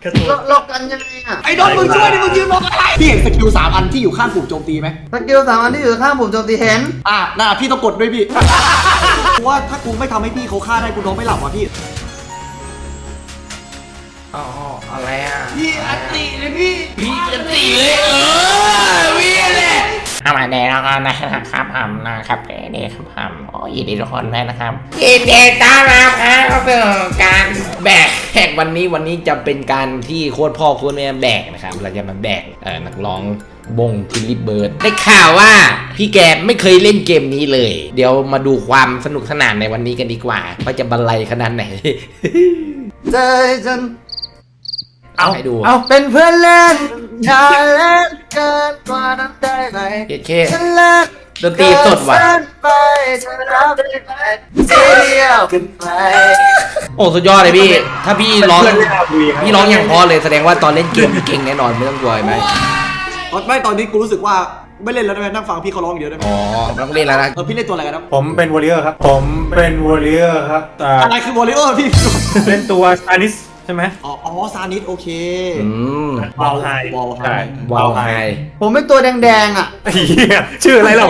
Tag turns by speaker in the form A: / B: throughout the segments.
A: เรากันยังไงอ่ะ
B: ไอ้โดนมึงช่วยดิมึงยืนมองอะไรพี่เห็นสกิล3 อันที่อยู่ข้างปุ่มโจมตีไหม
A: สกิล3 อันที่อยู่ข้างผมโจมตีเห็น
B: น่าพี่ต้องกดด้วยพี่ เพราะว่าถ้ากูไม่ทำให้พี่เขาฆ่าได้กูนอนไม่หลับว่ะพี่
C: อ๋ออะไรอ่ะ
B: พี่อันติเลยพี่
C: พี่จะตีเลยพี่แหละเอามาแดงแล้วกันนะครับนะครับนี่ครับโอ้ยินดีทุกคนด้วยนะครับยินดีต้อนรับครับเข้าสู่การแบกวันนี้จะเป็นการที่โคตรพ่อโคตรแม่แบกนะครับเราจะมาแบกนักร้องบงทิลลี่เบิร์ดได้ข่าวว่าพี่แกไม่เคยเล่นเกมนี้เลยเดี๋ยวมาดูความสนุกสนานในวันนี้กันดีกว่าว่าจะบรรลัยขนาดไหน
A: ใจฉัน
C: เอาให้ดู
A: เอาเป็นเพื่อนเล่นอย่าเล่นเกินกว่านั้นได้ไหม
C: เค
A: ฉันเล่น
C: ดนตรีสดว่ะ
A: เกินไปฉันรับได้ไหมเสียกันไป
C: โอ้สุดยอดเลยพี่ถ้าพี่ร้องอย่างพอเลยแสดงว่าตอนเล่นเกมพี่เก่งแน่นอนไม่ต้องกลัวไหม
B: ไม่ตอนนี้กูรู้สึกว่าไม่เล่นแล้วได้ไหมนั่งฟังพี่เขาร้องอย่างเดียวได้ไหม
C: อ๋อต้องเล่นแล้วนะ
B: พี่เล่นตัวอะไรกันนะ
D: ผมเป็นวอริเออร์ครับครับ
B: อะไรคือวอลเลย์พี่
D: เล่นตัวซานิสใช่ไหม
B: อ๋อซานิสโอเค
D: วอลไฮ
B: วอลไฮ
D: ใช่
C: วาวไฮ
A: ผมเป็นตัวแดงๆอ่ะ
D: เหี้ยชื่ออะไรเรา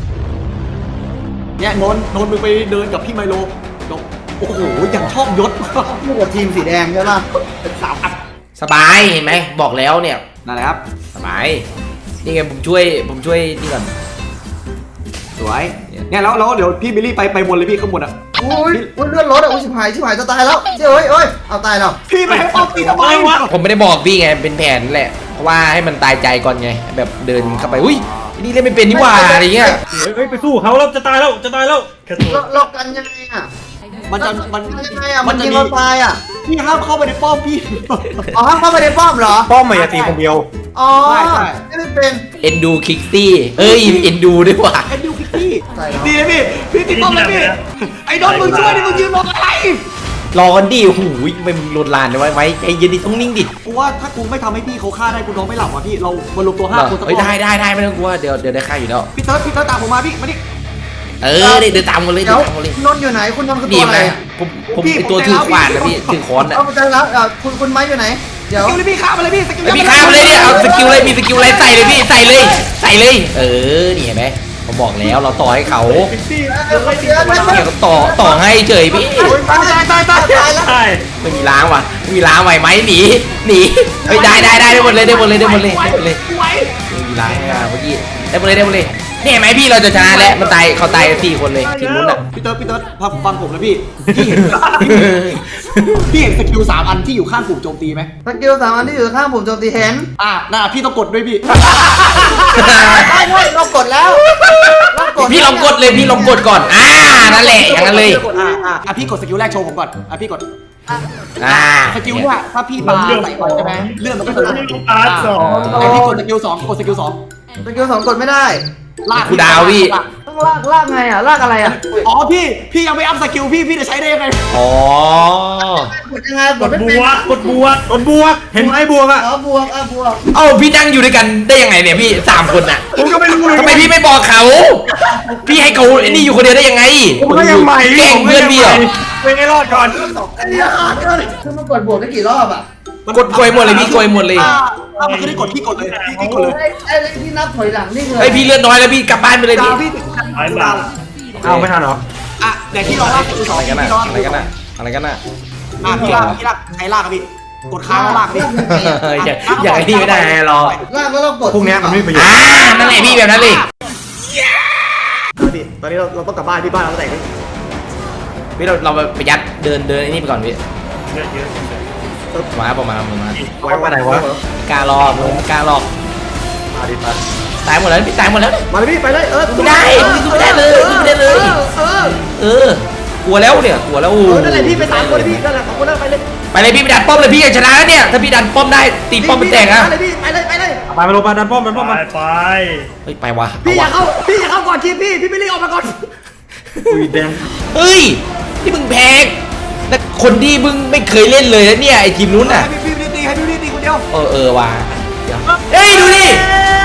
B: เนี่ยนนท์มึงไปเดินกับพี่ไมโลโอ้โหอย่างชอบยศ
A: อยู่กับทีมสีแดงใช่ป่ะ
B: เป็น3 อัน
C: สบายเห็นไหมบอกแล้วเนี่ย
B: นั่นแหละครับ
C: สบายนี่ไงผมช่วยนี่ก่อน
B: สวยเนี่ยแล้วเดี๋ยวพี่บิลลี่ไปบนเลยพี่ข้างบนอ่ะ
A: อุ้ยเลื่อนรถอ่ะอุ้ยชิบหายจะตายแล้วเฮ้ยเอาตายแล้ว
B: พี่ไปให้ป้อมตีทำไมวะ
C: ผมไม่ได้บอกพี่ไงเป็นแผนแหละเพราะว่าให้มันตายใจก่อนไงแบบเดินเข้าไปอุ้ยนี่เล่นไม่เป็นนี่หว่าอะไรเงี้ย
D: เฮ้ยไปสู้เขาแล้วจะตายแล้วแค่ตัว
A: เรากันยังไงอ่ะ
B: มันจะ
A: ยังไงอ่ะมันยิงเราตายอ่ะ
B: พี่ห้ามเข้าไปในป้อมพี่
A: อ๋อเข้าไปในป้อมเหรอ
D: ป้อมไม่ตีคนเดียว
A: อ๋อ
B: ใช่
A: ไม่เป็น
C: เอ็นดูคิกซี่เอ้ยเอ็นดูด้วยว่ะ
B: ไอ้ดิวคิกพี่
A: ใช่ครับ
B: ดีเลยพี่ติดป้อมเลยพี่ไอ้โดนมึงช่วยดิมึงยืนมองอะไร
C: รอกันดิหูยไม่มึงลวนลานเลยไว้ใจเย็นดิต้องนิ่งดิ
B: กูว่าถ้ากูไม่ทำให้พี่เขาฆ่าได้กูนอนไม่หลับว่ะพี่เรามารวมตัว5 คนสัก
C: เฮ้ยได้ไม่ต้องกลัวเดี๋ยวได้ค่าอยู่แล้ว
B: พี่เติร์ดตามผมมาพี่มาดิ
C: เดินตามกันเลย
A: เดี๋ยว
C: ตามกันเลย
A: นนท์อยู่ไหนคุณนนท์คือ
C: ดี
A: ตัวอะไร
C: นะผมไอตัวถือขวานนะพี่ถือค้อนนะ
A: เอาไปใจแล้วคุณไม้อยู่ไหนเดี๋ยว
B: สกิลเลยพี่ฆ่ามาเลยพี่สกิล
C: พี่ข้ามเลยเนี่ยเอาสกิลเลยมีสกิลอะไรใส่เลยพี่ใส่เลยนี่เห็นไหมผมบอกแล้วเราต่อให้เขาเนี่ยก็ต่อให้เฉยพี่
A: ตายแล้ว
D: ใช่
C: ไม่มีล้างว่ะมีล้างไหวไหมหนีเฮ้ยได้หมดเลยไม่มีล้างเมื่อกี้ได้หมดเลยเนี่ยไหมพี่เราจะชนะแล้วมันเขาตาย4 คนเลยทีมนู้นอ่ะ
B: พี่เติร์ดฟังผมนะพี่พี่เห็นสกิล3 อันที่อยู่ข้างปุ่มโจมตีไหม
A: สกิล3 อันที่อยู่ข้างผมโจมตีเห็น
B: น่าพี่ต้องกดด้วยพี่
A: เรากดแล้ว
C: พี่ลองกดเลยพี่ลองกดก่อนนั่นแหละอย่างนั้นเลย
B: พี่กดสกิลแรกโชว์ผมก่อนพี่กด สกิล
C: เนี่ย
B: เนี่ยถ้าพี่ปาใส่ไปใช่ไหมเลื่อนมันก็จะ พี่กดสกิล2กดสกิล2
A: สกิล2กดไม่ได้
B: ลาก
C: กูดาวพี่
A: ต้องลากไงอ่ะลากอะไรอ่ะ
B: อ๋อพี่ยังไม่อัพสกิลพี่จะใช้ได้ยังไง
C: อ๋อก
A: ดยังไงก
D: ก
A: ด
D: ด
A: ไม่
D: บ
A: เป็น
D: วกเห็นไหมบวกอ่ะ
A: อ๋อบวกบวก
C: เอ้าพี่นั่งอยู่ด้วยกันได้ยังไงเนี่ยพี่3 คนน่ะ
D: ผมก็ไม่รู้เลย
C: ทำไมพี่ไม่บอกเขา พี่ให้เขาไอ้นี่อยู่คนเดียวได้ยังไง
D: ผมก็ยังใหม่
C: แกล้งเพื่อนพี่เหรอ
D: เป็นไงรอดก่อน
A: คือมันกดบวกได้กี่รอบอ่ะ
C: กดโกยหมดเลยพี่โกยหมดเลย
B: ถ้ามันคือได้กดพี่กดเลยพี่กดเลย
A: ไอ้ที่นับถอยหลังนี่คือ
C: ไอพี่เลือดน้อยแล้วพี่กลับบ้านไปเลย
B: ดา
C: พี่
B: วพี่
D: เอาไม่ทันเหรอ
B: แต่พี่ลองลากสกิล2
C: อะไรกัน
B: พี่
C: น่ะ
B: ลอง
C: อะไรกันน่ะอะไรกันน่ะ
B: พี่ลากใครลากอะพี่กดค้างแล้วลากพี่
C: อย่างไอ้นี่ไม่ได้หรอก
A: ลากแล้วเรากด
D: พวกเนี้ยมันไม่มีประโยชน์
C: นั่นแหละพี่แบบนั้นเลย
B: ตอนนี้เราต้องกลับบ้านพี่บ้านเราแต่ง
C: พี่เราไปยัดเดินไอ้นี่ไปก่อนพี่มาประมาณ
D: ไว้ไหนวะ
C: กล้ารอมึงกล้ารอ
D: มาดิมา
C: ตายหมดแล้วพี่ตายหมดแล้ว
B: มาเลยพี่ไปเลย
C: ไม่ได้ไม่ได้เลยกลัวแล้วเนี่ยกลัวแล้ว
B: นั่นแหละพี่ไป3 คนพี่นั่นแหละ2 คนแล้วไปเลย
C: ไปเลยพี่ไปดันป้อมเลยพี่อยากชนะแล้วเนี่ยถ้าพี่ดันป้อมได้ตีป้อมมันแตกอะ
B: ไปเลยพี่ไปเลย
D: ไปมาลงมาดันป้อมมา
C: เฮ้ยไปวะ
B: พี่อย่าเข้าก่อนทีพี่ไม่รีบออกมาก่อน
D: อุ้ยแดง
C: เฮ้ยที่มึงแพงแต่คนที่มึงไม่เคยเล่นเลยนะเนี่ยไอทีมนู้นน่ะ
B: พี่ตีให้พี่ตีคนเดียว
C: ว่ะเฮ้ยดูดิ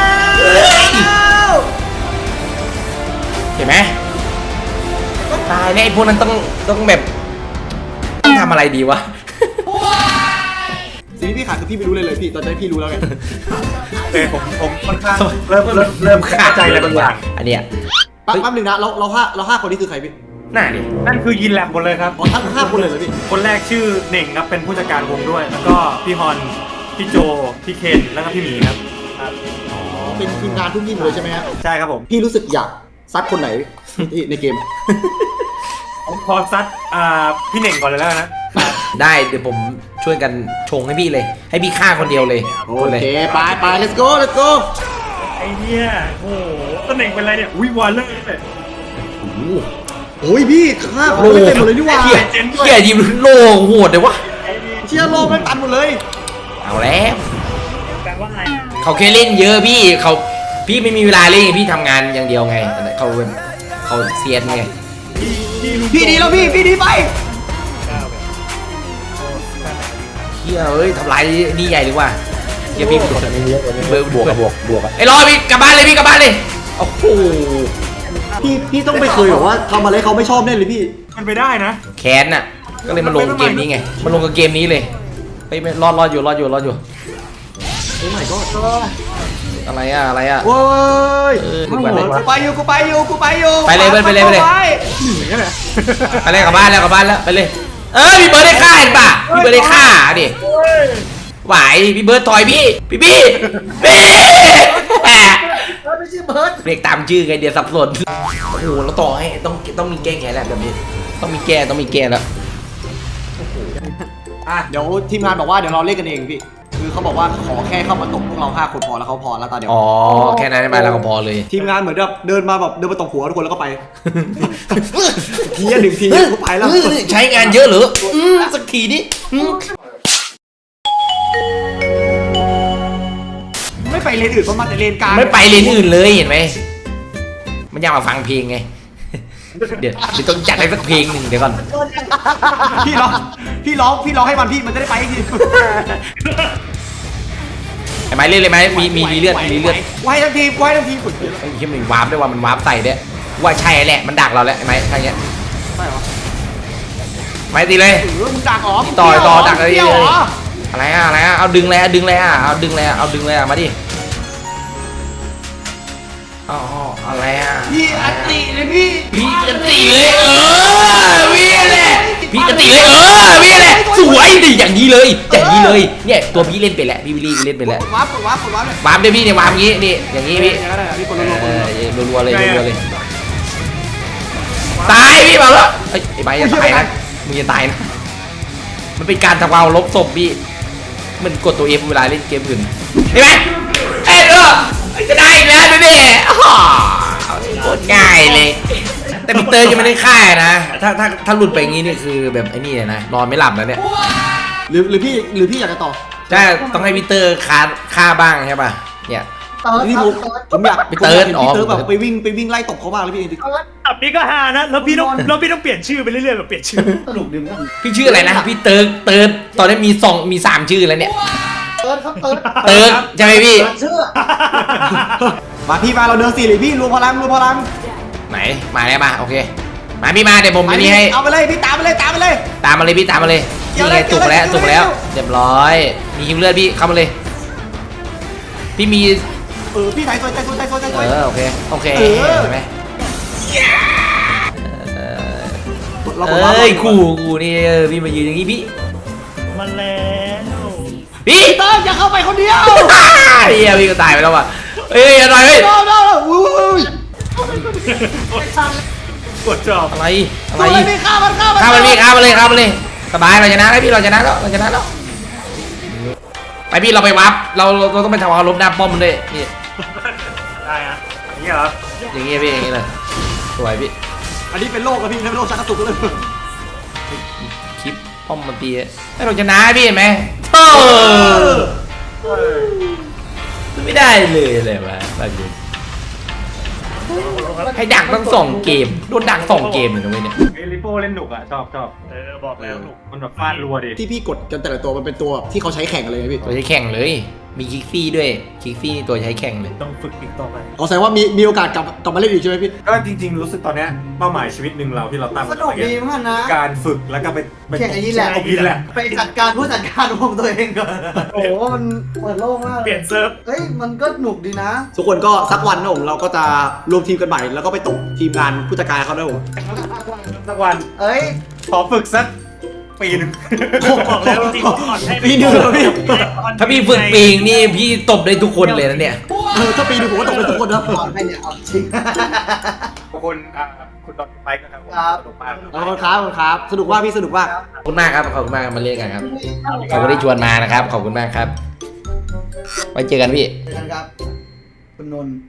C: เห็นไหมตายเนี่ยไอพวกนั้นต้องแบบต้องทำอะไรดีวะ
B: ซี
A: ที่พี่ขาดคือพี่ไม่รู้เลยพี่ตอนนี้พี่รู้แล้วไง
D: ผมค่อนข้างเริ่มขาดใจอะไรบางอย่าง
C: อันเนี้ย
A: แป๊บนึงนะเราห้าคนนี้คือใครพี่
C: น่าดิ
D: นั่นคือยินแลบหมดเลยครับ
A: อ๋อทั้ง5 คนเลยเหรอพี่
D: คนแรกชื่อเน่งครับเป็นผู้จัดการวงด้วย แล้วก็พี่ฮอนพี่โจพี่เคนแล้วก็พี่หมีครับ
A: เป็นทีมงานทุกยิ่งเลยใช่ไหมฮะ
D: ใช่ครับผม
A: พี่รู้สึกอยากซัดคนไหนในเกม
D: ผมขอซัดพี่เน่งก่อนเลยแล้วนะ
C: ได้เดี๋ยวผมช่วยกันชงให้พี่เลย ให้พี่ฆ่าคนเดียวเลย
A: โอเคไป let's go
D: ไอ้เนี่ยโอ้โหตำแหน่งเป็นไรเนี่ยอุ้ยวอลเลอร์เลย
A: โอ้ยพี่ฆ่าคนไม่เต็มหมดเลยนี่หว่า
C: เขี่ยยิมโลโหดเลยวะ
A: เชียร์โลกไม่ตันหมดเลย
C: เอาแล้ว
D: แปลว่าไง
C: เขาแค่เล่นเยอะพี่ไม่มีเวลาเล่นพี่ทำงานอย่างเดียวไงเขาเซียนไง
A: พี่ดีแล้วพี่ดีไป
C: เฮียเอ้ยทำลายนี่ใหญ่เลยว่ะเฮียพี่บวกอะไอ้รอพี่กลับบ้านเลยพี่กลับบ้านเลยโอ้โห
A: พี่ต้องไปเคยบอกว่าทำอะไรเขาไม่ชอบแน่เลยพี่
D: มันไปได้นะ
C: แค้นน่ะก็เลยมาลงเกมนี้ไงมาลงกับเกมนี้เลยไปรอดอยู่
A: โอ้ my god
C: อะไรอะ
A: โอ้ย
C: นึกว่าอะไรวะ
A: กูไปอยู่
C: ไปเลย
A: หนีกันเลย
C: ไปเลยกลับบ้านแล้วไปเลยพี่เบิร์ดได้ฆ่าเห็นป่ะพี่เบิร์ดได้ฆ่าดิไหวพี่เบิร์ดถอยพี่
A: ไม่ใช่เบิร์ด
C: เรียกตามชื่อไงเดี๋ยวสับสนโอ้โหเราต่อให้ต้องมีแก้แค้นแล้วแบบนี้ต้องมีแก้แล้ว
A: เดี๋ยวทีมงานบอกว่าเดี๋ยวเราเล่นกันเองพี่คือเขาบอกว่าขอแค่เข้ามาตบพวกเรา5 คนพอแล้วเขาพอแล้วตาเดียว
C: อ๋อแค่นั้นได้ไหมแล้วก็พอเลย
A: ทีมงานเหมือนแบบเดินมาตบหัวทุกคนแล้วก็ไป ที1 ทีก็ไปแล้ว
C: ใช้งานเยอะเหรอสักทีนี้
A: ไม่ไปเลนอื่นเพราะมันแต่เลนกลาง
C: ไม่ไปเลนอื่นเลยเห็นไหมมันอยากมาฟังเพลงไงเดี๋ยวต้องจัดให้สักเพลงหนึ่งเดี๋ยวก่อน
A: พี่ร้องให้มันจะได้ไปอีกที
C: ไอ้ไม้เล่นเลยไหมมีเลือด
A: ไว้ทั้งทีม
C: ไอ้เหี้ยมันวาร์ปด้วยว่ามันวาร์ปใส่เนี่ยว่าใช่แหละมันดักเราแล้วไอ้ไม้ทางเนี้ย
A: ใช่เหรอ
C: ไม้ตีเลย
A: มึงดักเหรอ
C: ต่อดักเลย
A: เที่ยวเหรอ
C: อะไรอะเอาดึงเลยมาดิอ๋ออะไรอะ
A: พี่อัตติเลยพี่
C: พี่จะตีเลยพี่แหละพี่จะตีเลยพี่แหละสวยดิอย่างนี้เลยเนี่ยตัวพี่เล่นไปแล้วพี่วิลลี่เล่นไปแล้ว
A: กดวาร์ปเลยว
C: าร์ปเดี๋ยวพี่เนี่ยวาร์ปงี้นี่อย่างงี้พี่
A: พี่กดรัวๆ
C: รัวเลยตายพี่มาแล้วไอ้ใบจะตายนะมึงจะตายนะมันเป็นการทำเอาลบศพพี่มันกดตัวเอฟเวลาเล่นเกมอื่นเห็นไหมจะได้อีกแล้วดูดิโคตรง่ายเลยแต่พีเตอร์ยังไม่ได้ฆ่านะถ้าหลุดไปอย่างงี้นี่คือแบบไอ้นี่นะนอนไม่หลับแล้วเนี่ย
A: หรือพี่อยากจะต่อ
C: ใช่ต้องให้พีเตอร์ฆ่าบ้างใช่ป่ะเนี่ย
A: นี่ผมอยาก
C: พี่เติร์ดอ๋อ
A: พี่เติร์ดแบบไปวิ่งไล่ตบเขาบ้างเลยพี่
D: อับนี้ก็ฮานะแล้วพี่ต้องเปลี่ยนชื่อไปเรื่อยๆแบบเปลี่ยนชื่อ
A: สนุกดีมาก
C: พี่ชื่ออะไรนะพี่เติร์ดตอนนี้มี3ชื่อแล้วเนี่ย
A: เติร์ดครับเติร์ด
C: เติร์ดใช่ไหมพี่
A: เชื่อมาพี่มาเราเดิน4เลยพี่รวมพลัง
C: ไหนมาแล้วมาโอเคมาพี่มาเดี๋ยวผมนี่ให้
A: เอาไปเลยพี่ตามไปเลย
C: ตามมาเลยพี่ตามมาเลยนี่ไงจุกแล้วเรียบร้อยมีหิวเลือดพี่เข้ามาเลยพี่มี
A: พี่ไทยโซย
C: โอเคเห็นไหมกูนี่พี่มายืนอย่างงี้พี่
D: มันแล้ว
C: พี่
A: เติร์ดอย่าเข้าไปคนเดียว
C: เฮียพี่ก็ตายไปแล้วว่ะเฮ้ยอย่าหน่อยเฮ้ย
A: อุ้ย
D: กดจอบ
C: อะไร
A: พี่ฆ่ามัน
C: ฆ่ามันเลยสบายเราชนะแล้วพี่เราชนะแล้วไปพี่เราไปวับเราต้องไปทำเอาลบหน้าป้อมมันด้วยนี่
D: ได้ฮะอย่างนี้เหรอ
C: อย่างงี้พี่อย่างงี้เลยสวยพี่
A: อันนี้เป็นโรคอะพี่เป็นโรคชักกระตุกเลย
C: คลิปป้อมมันตีให้เราชนะพี่เห็นไหมไม่ได้เลยอะไรวะบางทีให้ดักตั้ง2 เกมโดนดัก2 เกมเลยนะเว้ยเนี่ย
D: ไอ้ลิโป้เล่นหนุกอ่ะชอบบอกแล้วหนุกมันแบบฟาดรัวดิ
A: ที่พี่กดกันแต่ละตัวมันเป็นตัวที่เขาใช้แข่งกันเลยพี่
C: เราจะแข่งเลยมีคิกซี่ด้วยคิกซี่ตัวใช้แข่งเลย
D: ต้องฝึกอีกต่อไป
A: ขอแสดงว่ามีโอกาสกลับมาเล่นอีกใช่ไหมพี่
D: ก็จริงๆรู้สึกตอนเนี้ยเป้าหมายชีวิตหนึ่งเราที่เราตั้ง
B: สนุกดีเหมือนกันนะ
D: การฝึกแล้วก็ไป
B: แข่งอันนี้แหละ
D: ตบพินแหละ
B: ไปจัดการผู้จัดการวงตัวเองก่อนโอ้โหมันเปิดโล่งมาก
D: เปลี่ยนเซิร์ฟ
B: เฮ้ยมันก็หนุกดีนะ
A: ทุกคนก็สักวันนะผมเราก็จะรวมทีมกันใหม่แล้วก็ไปตกทีมงานผู้จัดการเขาด้วยผม
D: สักวัน
B: เอ้ย
D: ขอฝึกสักปีหนึ่ง
E: บอกแล้วจริงๆก่อนให้
A: ปีหนึ่งเหรอพี่
C: ถ้าพี่ฝึกปีงนี่พี่ตบได้ทุกคนเลยนะเนี่ย
A: ถ้าปีหนึงผมก็ตกเป็นทุกคนนะ
B: ก่อนให้เนี่ยเอาจริง
D: ขอบคุณคุณดอนไปกันครับผม
B: ครับ
D: สนุกมาก
A: ขอบคุณครับขอบคุณครับสนุกมากพี่สนุกมาก
C: ขอบคุณมากครับขอบคุณมากมาเล่นกันครับขอบคุณที่ชวนมานะครับขอบคุณมากครับไว้เจอกันพี่
B: เจอกันครับ คุณนนท์